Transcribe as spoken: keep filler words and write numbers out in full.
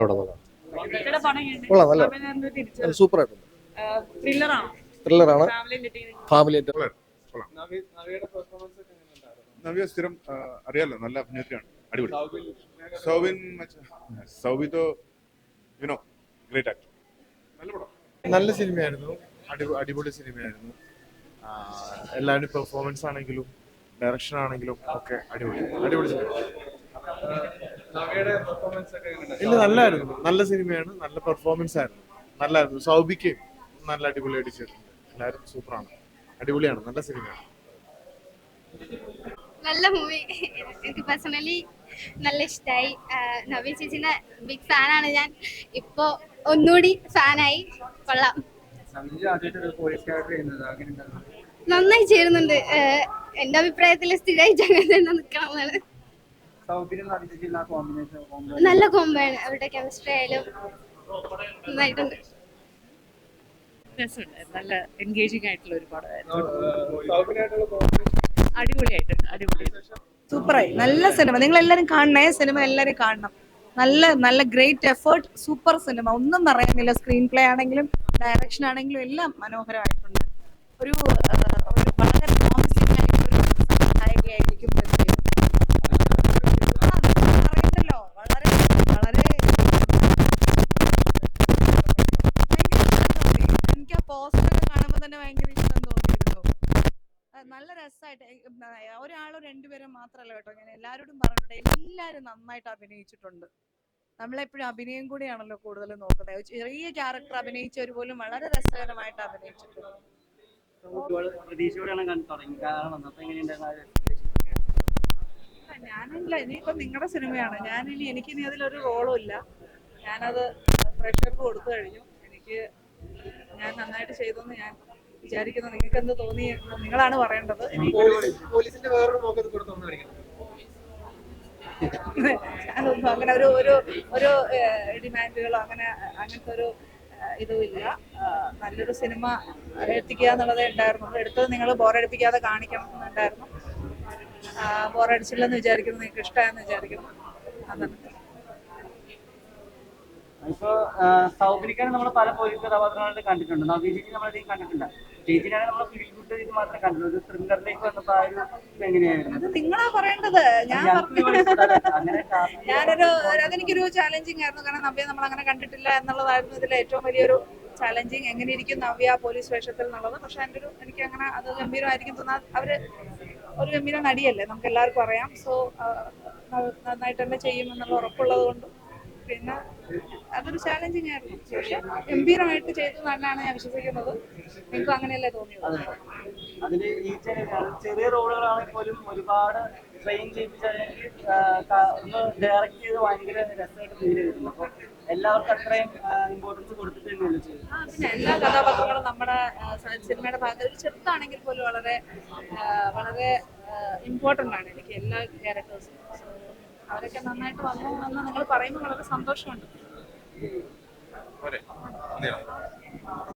കൊള്ളാം, നല്ല സൂപ്പർ ആയിട്ടുണ്ട്. ത്രില്ലറാണ്, ഫാമിലി നവ്യ സ്ഥിരം അറിയാലോ, നല്ല അഭിനേത്രിയാണ്, അടിപൊളി. സൗബിൻ സൗബിതോ യുനോ ഗ്രേറ്റ് ആക്ടർ. നല്ല പടം, നല്ല സിനിമയായിരുന്നു, അടിപൊളി സിനിമയായിരുന്നു. എല്ലാവരും പെർഫോമൻസ് ആണെങ്കിലും ഡയറക്ഷൻ ആണെങ്കിലും ഒക്കെ അടിപൊളി അടിപൊളി സിനിമ. ഇല്ല, നല്ലായിരുന്നു, നല്ല സിനിമയാണ്, നല്ല പെർഫോമൻസ് ആയിരുന്നു, നല്ലായിരുന്നു. സൗബിക്ക് നല്ല അടിപൊളിയായിട്ട് ചെയ്തിട്ടുണ്ട്. എല്ലാവരും സൂപ്പറാണ്, അടിപൊളിയാണ്, നല്ല സിനിമയാണ്. നല്ല മൂവി, എനിക്ക് പേഴ്സണലി നല്ല ഇഷ്ടമായി. നവ്യ ചേച്ചിന്റെ ബിഗ് ഫാനാണ് ഞാൻ. ഇപ്പോ ഒന്നുകൂടി ഫാനായി. കൊള്ളാം, നന്നായി ചേരുന്നുണ്ട്. എന്റെ അഭിപ്രായത്തിൽ സ്ഥിരമായിട്ട് അങ്ങനെ തന്നെ നിൽക്കണം എന്നാണ്. നല്ല കോമ്പാണ്, അവരുടെ കെമിസ്ട്രി ആയാലും നന്നായിട്ടുണ്ട്. നല്ല എൻഗേജിംഗ് ആയിട്ടുള്ള ഒരു പടമായിരുന്നു. അടിപൊളിയായിട്ട് അടിപൊളി സൂപ്പറായി, നല്ല സിനിമ. നിങ്ങൾ എല്ലാവരും കാണണേ, സിനിമ എല്ലാവരും കാണണം. നല്ല നല്ല ഗ്രേറ്റ് എഫേർട്ട്, സൂപ്പർ സിനിമ, ഒന്നും പറയാനില്ല. സ്ക്രീൻ പ്ലേ ആണെങ്കിലും ഡയറക്ഷൻ ആണെങ്കിലും എല്ലാം മനോഹരമായിട്ടുണ്ട്. ഒരു ഒരു വളരെ പ്രോമിസിംഗ് ആയിട്ടുള്ള ഒരു സംവിധായകയായിരിക്കും പറയണ്ടല്ലോ. വളരെ വളരെ എനിക്ക് ആ പോസ്റ്ററൊക്കെ കാണുമ്പോൾ തന്നെ ഭയങ്കര ഇഷ്ടം തോന്നിയിരുന്നു. നല്ല രസമായിട്ട്, ഒരാളോ രണ്ടുപേരും മാത്രമല്ല കേട്ടോ, ഞാൻ എല്ലാവരോടും പറഞ്ഞിട്ടുണ്ട്, എല്ലാവരും നന്നായിട്ട് അഭിനയിച്ചിട്ടുണ്ട്. നമ്മളെപ്പോഴും അഭിനയം കൂടിയാണല്ലോ കൂടുതൽ നോക്കുന്നത്. ചെറിയ ക്യാരക്ടർ അഭിനയിച്ചവർ പോലും വളരെ രസകരമായിട്ട് അഭിനയിച്ചിട്ടുണ്ട്. ഞാനില്ല, ഇനിയിപ്പം നിങ്ങളുടെ സിനിമയാണ്. ഞാനിനി എനിക്കിനി അതിലൊരു റോളും ഇല്ല. ഞാനത് പ്രേക്ഷകർക്ക് കൊടുത്തു കഴിഞ്ഞു. എനിക്ക് ഞാൻ നന്നായിട്ട് ചെയ്തെന്ന് ഞാൻ വിചാരിക്കുന്നു. നിങ്ങൾക്ക് എന്ത് തോന്നി നിങ്ങളാണ് പറയേണ്ടത്. ഞാനൊന്നും അങ്ങനെ ഒരു ഒരു ഒരു ഡിമാൻഡുകളോ അങ്ങനെ അങ്ങനത്തെ ഒരു ഇതുമില്ല. നല്ലൊരു സിനിമ എത്തിക്കുക എന്നുള്ളതേ ഉണ്ടായിരുന്നുള്ളൂ. എടുത്തത് നിങ്ങൾ ബോറടിപ്പിക്കാതെ കാണിക്കണം എന്നുണ്ടായിരുന്നു. ബോറടിച്ചില്ലെന്ന് വിചാരിക്കുന്നു, നിങ്ങൾക്ക് ഇഷ്ടമായെന്ന് വിചാരിക്കുന്നു. അതാണ്. ഇപ്പൊ സൗബിനിക്കാണ് നമ്മൾ പല പോലീസ് കഥാപാത്രങ്ങളായിട്ട് കണ്ടിട്ടുണ്ട്. നവ്യ ചേച്ചി നമ്മളധികം കണ്ടിട്ടില്ല. ചേച്ചിനാണ് നമ്മൾ ഫീൽ ഗുഡ് ഇത് മാത്രമേ കണ്ടുള്ളൂ. ഒരു ത്രില്ലറിലേക്ക് വന്നപ്പോ ആ ഒരു എങ്ങനെയായിരുന്നു? അത് നിങ്ങളാ പറയേണ്ടത്. ഞാൻ ഞാനൊരു അതെനിക്കൊരു ചാലഞ്ചിങ് ആയിരുന്നു. കാരണം നവ്യ നമ്മൾ അങ്ങനെ കണ്ടിട്ടില്ല എന്നുള്ളതായിരുന്നു ഇതിൽ ഏറ്റവും വലിയൊരു ചാലഞ്ചിങ്. എങ്ങനെ ഇരിക്കും നവ്യ പോലീസ് വേഷത്തിൽ എന്നുള്ളത്. പക്ഷെ എൻ്റെ ഒരു എനിക്ക് അങ്ങനെ അത് ഗംഭീരമായിരിക്കും തോന്നാൻ. അവര് ഒരു ഗംഭീര നടിയല്ലേ, നമുക്ക് എല്ലാവർക്കും അറിയാം. സോ നന്നായിട്ട് തന്നെ ചെയ്യുമെന്നുള്ള ഉറപ്പുള്ളത് കൊണ്ടും പിന്നെ അതൊരു ചാലഞ്ചിങ് ആയിരുന്നു. പക്ഷെ ഗംഭീരമായിട്ട് ചെയ്തു തന്നെയാണ് ഞാൻ വിശ്വസിക്കുന്നത്. നിങ്ങൾക്കും അങ്ങനെയല്ലേ തോന്നിയത്? അതില് ഈ ചെറിയ റോളുകളാണെങ്കിൽ പോലും ഒരുപാട് ട്രെയിൻ ചെയ്യിപ്പിച്ചല്ലെങ്കിൽ ഒന്ന് ഡയറക്റ്റ് ചെയ്ത് ഭയങ്കര രസമായിട്ട് ഫീൽ ചെയ്തിട്ടുണ്ട്. അപ്പൊ എല്ലാവർക്കും അത്രയും ഇമ്പോർട്ടൻസ് കൊടുത്തിട്ട് തന്നെയല്ലേ ചെയ്തത്? പിന്നെ എല്ലാ കഥാപാത്രങ്ങളും നമ്മുടെ സിനിമയുടെ ഭാഗത്ത് ഒരു ചെറുതാണെങ്കിൽ പോലും വളരെ വളരെ ഇമ്പോർട്ടൻ്റ് ആണ് എനിക്ക് എല്ലാ ക്യാരക്ടേഴ്സും. അവരൊക്കെ നന്നായിട്ട് വന്നു എന്ന് നിങ്ങൾ പറയുമ്പോൾ വളരെ സന്തോഷമുണ്ട്.